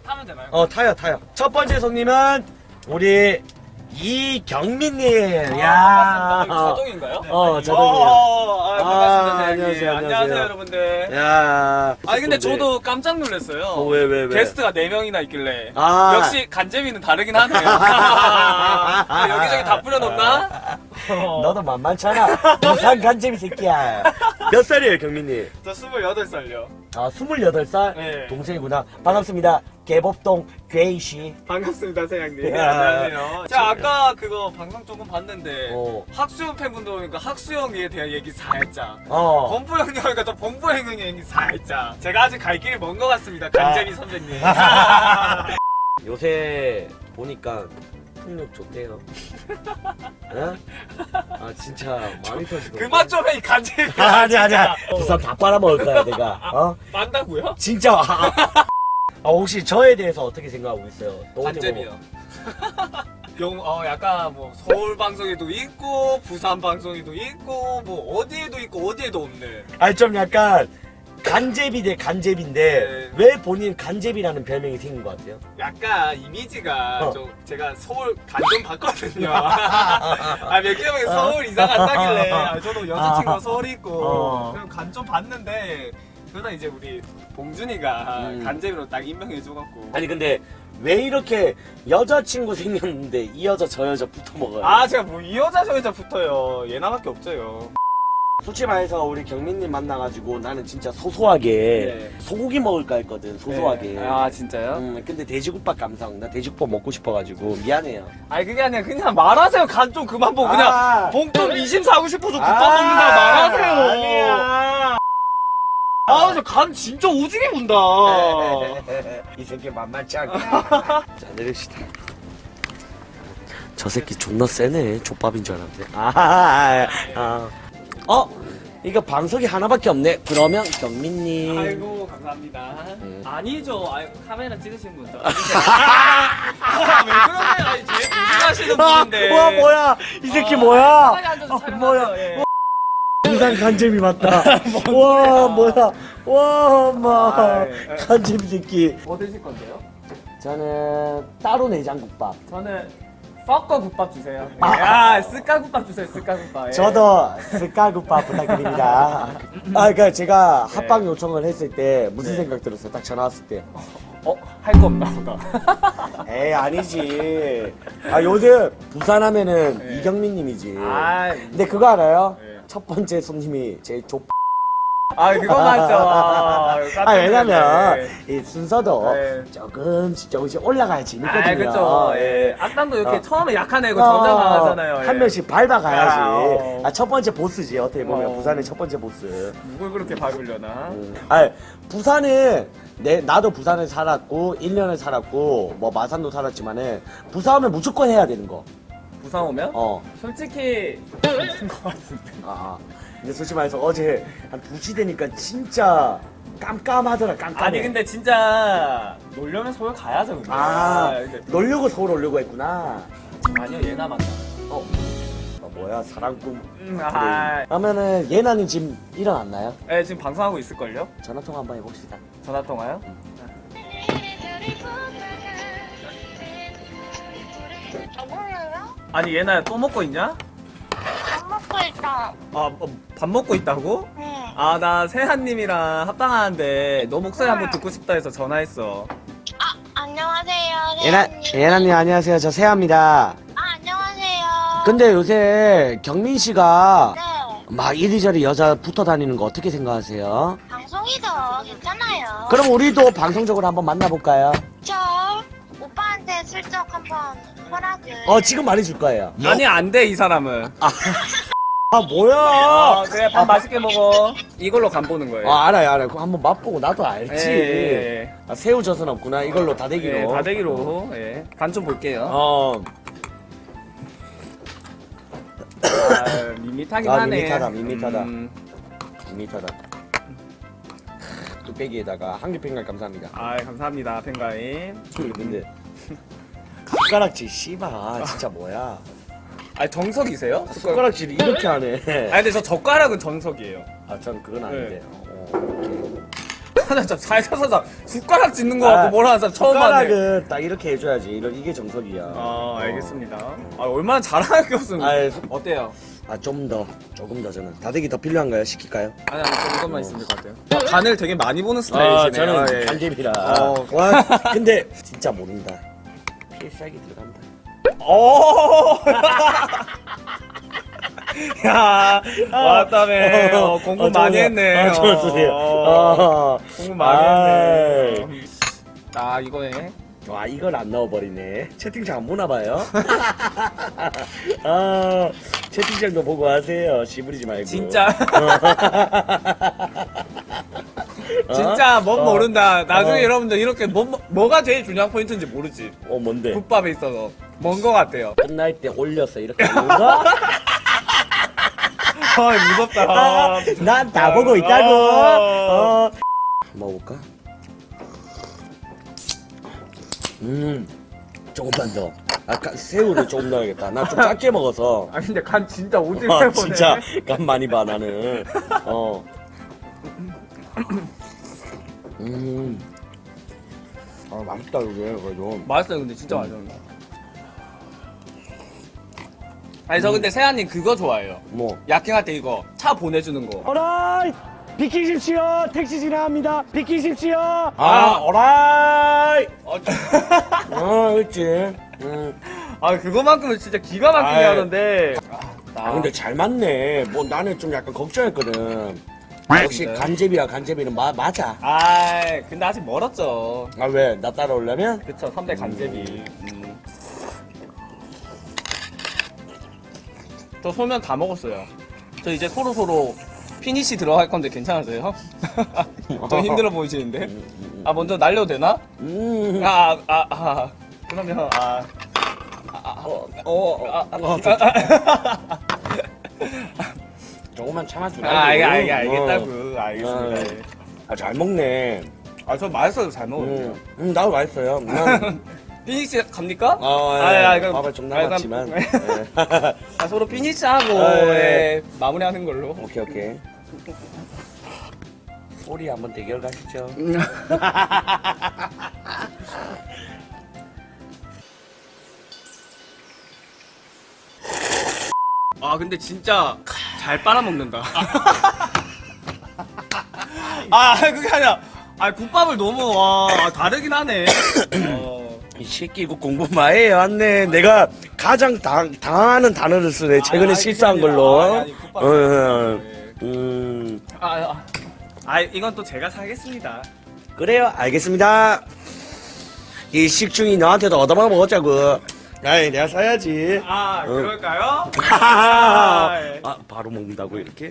타면 되나요? 타요. 첫 번째 손님은 우리 이경민님. 야. 자동인가요? 자동이에요. 반갑습니다. 안녕하세요. 안녕하세요, 여러분들. 야. 아니 근데 저도 깜짝 놀랐어요. 왜? 게스트가 4명이나 있길래. 아. 역시 간재미는 다르긴 하네요. 여기저기 다 뿌려놓나? 너도 만만찮아. 부산 간재미 새끼야. 몇 살이에요, 경민님? 저 28살요. 28살? 네. 동생이구나. 반갑습니다. 개법동 괴이씨. 반갑습니다, 사장님. 야. 안녕하세요. 자, 아까 그거 방송 조금 봤는데 학수형 팬분들 오니까 학수형에 대한 얘기 살짝. 범부 형님 오니까 또 범부 형님 얘기 살짝. 제가 아직 갈 길이 먼 것 같습니다, 간재미 선배님. 요새 보니까 폭력 좋대요. 응? 진짜 마음이 터지더라고. 그만 좀 해, 이 간재미. 아니야. 부산 다 빨아먹을 거야, 내가. 만다고요? 진짜. 혹시 저에 대해서 어떻게 생각하고 있어요? 간재미요. 약간 뭐 서울 방송에도 있고 부산 방송에도 있고 뭐 어디에도 있고 어디에도 없네. 좀 약간 간제비 대 간제비인데 왜 본인 간제비라는 별명이 생긴 것 같아요? 약간 이미지가 좀 제가 서울 간좀 봤거든요. 몇 개월 전에 서울 이사 간다길래 저도 여자친구가 서울에 있고 그럼 간 좀 봤는데 그러다 이제 우리 봉준이가 간제비로 딱 임명해줘갖고. 아니 근데 왜 이렇게 여자친구 생겼는데 이 여자 저 여자 붙어 먹어요? 제가 뭐 이 여자 저 여자 붙어요. 얘나밖에 없어요. 솔직히 말해서 우리 경민님 만나가지고 나는 진짜 소소하게 소고기 먹을까 했거든. 소소하게. 진짜요? 근데 돼지국밥 감성. 나 돼지국밥 먹고 싶어가지고 미안해요. 그게 아니라 그냥 말하세요. 간 좀 그만 보고 그냥 봉좀 이심 사고 싶어서 국밥 먹는다 말하세요. 아니야. 저 간 진짜 오지게 본다. 이 새끼 만만치 않다. 자, 내립시다. 저 새끼 존나 세네. 족밥인 줄 알았는데. 이거 방석이 하나밖에 없네. 그러면 경민님. 아이고 감사합니다. 아니죠. 카메라 찍으신 분죠. 왜 그러세요? 제일 고생하시는 분인데. 뭐야? 이 새끼 뭐야? 편하게 앉아서 촬영하세요. 뭐야? 예. 부산 간잼이 맞다. 와, 뭐야? 와, 엄마. 간잼 새끼. 뭐 드실 건데요? 저는 따로 내장국밥. 저는 섞어 국밥 주세요. 스카 국밥 주세요. 스카 국밥. 예. 저도 스카국밥 부탁드립니다. 그러니까 제가 합방 요청을 했을 때 무슨 생각 들었어요? 딱 전화 왔을 때. 할 거 없나 보다. 에이, 아니지. 요즘 부산 하면은 이경민 님이지. 근데 그거 알아요? 첫 번째 손님이 제일 그거 맞죠. 왜냐면 이 순서도 조금씩 올라갈 재밌거든요. 그쵸. 악당도 이렇게 처음에 약한 애고 점점 강하잖아요. 한 명씩 밟아가야지. 첫 번째 보스지. 어떻게 보면 부산의 첫 번째 보스. 누굴 그렇게 밟으려나? 부산은 나도 부산에 살았고 1년을 살았고 뭐 마산도 살았지만은 부산 오면 무조건 해야 되는 거. 부산 오면? 솔직히 무슨 거 같은데. 근데 솔직히 말해서 어제 한 2시 되니까 진짜 깜깜하더라. 깜깜해. 아니 근데 진짜 놀려면 서울 가야죠. 근데. 놀려고 서울 오려고 했구나. 아니요 예나 만나. 뭐야 사랑꾼. 그러면은 예나는 지금 일어났나요? 네 지금 방송하고 있을걸요? 전화통화 한번 해봅시다. 전화통화요? 아니 얘나야 또 먹고 있냐? 밥 먹고 있다. 밥 먹고 있다고? 응. 나 세한님이랑 합방하는데 너 목소리 한번 듣고 싶다 해서 전화했어. 안녕하세요. 예나님 안녕하세요. 저 세아입니다. 안녕하세요. 근데 요새 경민 씨가 네. 막 이리저리 여자 붙어 다니는 거 어떻게 생각하세요? 방송이죠. 괜찮아요. 그럼 우리도 방송적으로 한번 만나볼까요? 저 오빠한테 슬쩍 한번 허락을. 지금 말해줄 거예요. 아니 안 돼 이 사람은. 뭐야? 그래 밥 맛있게 먹어. 이걸로 간 보는 거예요. 알아요. 그럼 한번 맛보고 나도 알지. 예. 새우젓은 없구나. 이걸로 다대기로. 예, 다대기로. 간 좀 볼게요. 밋밋하긴 하네. 밋밋하다. 밋밋하다. 뚝배기에다가 한개 팽갈 감사합니다. 감사합니다 팬가임. 근데 숟가락질 씨발 진짜 뭐야? 정석이세요? 숟가락질이 이렇게 하네. 근데 저 젓가락은 정석이에요. 전 그건 아닌데. 하나 살살 숟가락 짚는 거 같고 뭐라 하는 처음 봤네. 숟가락은 딱 이렇게 해줘야지. 이게 정석이야. 아 알겠습니다. 아 얼마나 잘하는 게 없으면 아이, 어때요? 조금 더 저는. 다대기 더 필요한가요? 시킬까요? 아니 좀 이것만 있으면 될 것 같아요. 간을 되게 많이 보는 스타일이시네요. 저는 예. 간제비라. 어. 와, 근데 진짜 모른다. 필살기 들어간다. 오. 야 왔다며. 공부 많이 했네. 공부 많이 했네. 아 이거네. 와, 이걸 안 넣어버리네. 채팅창 안 보나봐요. 채팅창도 보고 하세요. 시부리지 말고. 진짜. 진짜 뭔 모른다. 나중에 여러분들 이렇게 뭐가 제일 중요한 포인트인지 모르지. 뭔데? 국밥에 있어서 뭔 거 같아요. 끝날 때 올려서 이렇게 하는 거? 아 무섭다. 난 다 보고 있다고. 먹어볼까? 조금만 더. 새우를 조금 넣어야겠다. 나 좀 작게 먹어서. 아 근데 간 진짜 오지게 보네. 진짜 간 많이 봐 나는. 맛있다 이게 그래도. 맛있어요. 근데 진짜 맛있어요. 아니 저 근데 세아님 그거 좋아해요. 뭐? 야킹할 때 이거 차 보내주는 거. 어라이! 비키십시오. 택시 지나갑니다. 비키십시오. 어라이. 그렇지. 아 그거만큼은 진짜 기가 막히게 아이. 하는데. 근데 잘 맞네. 뭐 나는 좀 약간 걱정했거든. 역시 진짜요? 간제비는 맞아. 아 근데 아직 멀었죠. 아 왜? 나 따라오려면? 그쵸 3대 간제비. 저 소면 다 먹었어요. 저 이제 서로 피니시 들어갈 건데 괜찮으세요? 좀 힘들어 보이시는데? 아 먼저 날려도 되나? 그러면 조금만 참아주라. 알겠다고. 알겠습니다. 잘 먹네. 아 저 맛있어요. 잘 먹어요. 나도 맛있어요. 피니시 갑니까? 이거 밥을 좀 남았지만. 서로 피니시하고 마무리하는 걸로. 오케이. 소리 한번 대결 가시죠. 아 근데 진짜 잘 빨아먹는다. 아 그게 아니라 국밥을 너무 다르긴 하네. 이 새끼 이거 공부 많이 해왔네. 내가 가장 당하는 단어를 쓰네. 최근에 실수한 걸로. 이건 또 제가 사겠습니다. 그래요. 알겠습니다. 이 식중이 너한테도 얻어먹어 먹었자고. 아이 내가 사야지. 그럴까요? 바로 먹는다고 이렇게?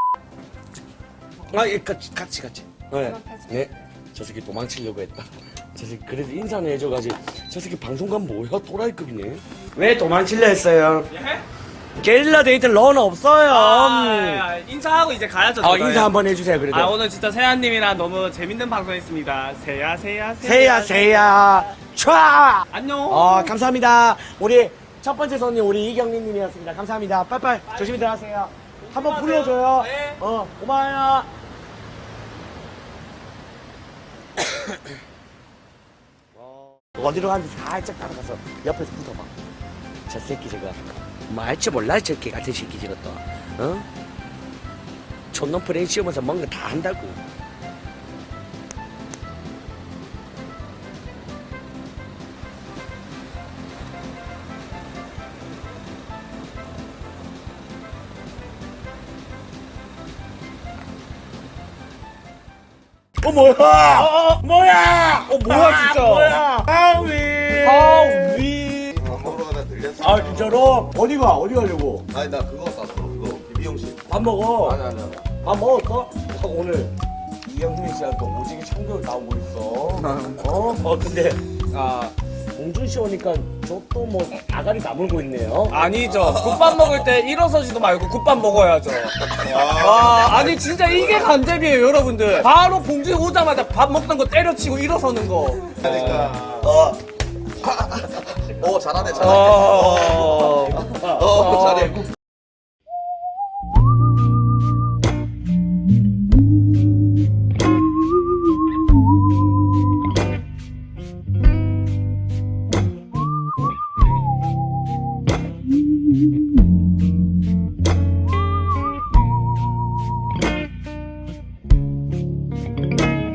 같이. 네. 저 새끼 도망치려고 했다. 저 새끼 그래도 인사는 해줘가지고. 저 새끼 방송관 뭐야? 또라이급이네. 왜 도망치려 했어요? 예? 게릴라 데이트는 러너 없어요. 인사하고 이제 가야죠. 인사 한번 해주세요. 그래도. 오늘 진짜 세아님이랑 너무 재밌는 방송했습니다. 세야. 세야. 촤! 안녕. 감사합니다. 우리 첫 번째 손님 우리 이경민 님이었습니다. 감사합니다. 빨빨 조심히 들어가세요. 한번 불러줘요. 네. 고마워요. 어디로 가는지 살짝 따라가서 옆에서 붙어봐. 저 새끼 저거 뭐 할 줄 몰라 저 개 같은 새끼 저것도. 촌놈 프레임 씌우면서 뭔가 다 한다고. 뭐야? 뭐야? 뭐야 진짜? 뭐야? 하위. 밥 먹으러 가다 들렸어. 진짜로? 어디 가려고? 아니 나 그거 샀어. 그거 미용실. 밥 먹어. 아니. 밥 먹었어? 오늘 이경민 씨랑 또 오지게 참교육 나오고 있어. 근데 봉준 씨 오니까 저 또 뭐 아가리 다물고 있네요. 아니죠. 국밥 먹을 때 일어서지도 말고 국밥 먹어야죠. 아니 진짜 이게 간제비예요, 여러분들. 바로 봉준이 오자마자 밥 먹던 거 때려치고 일어서는 거. 그러니까. 잘하네. 잘해. 어.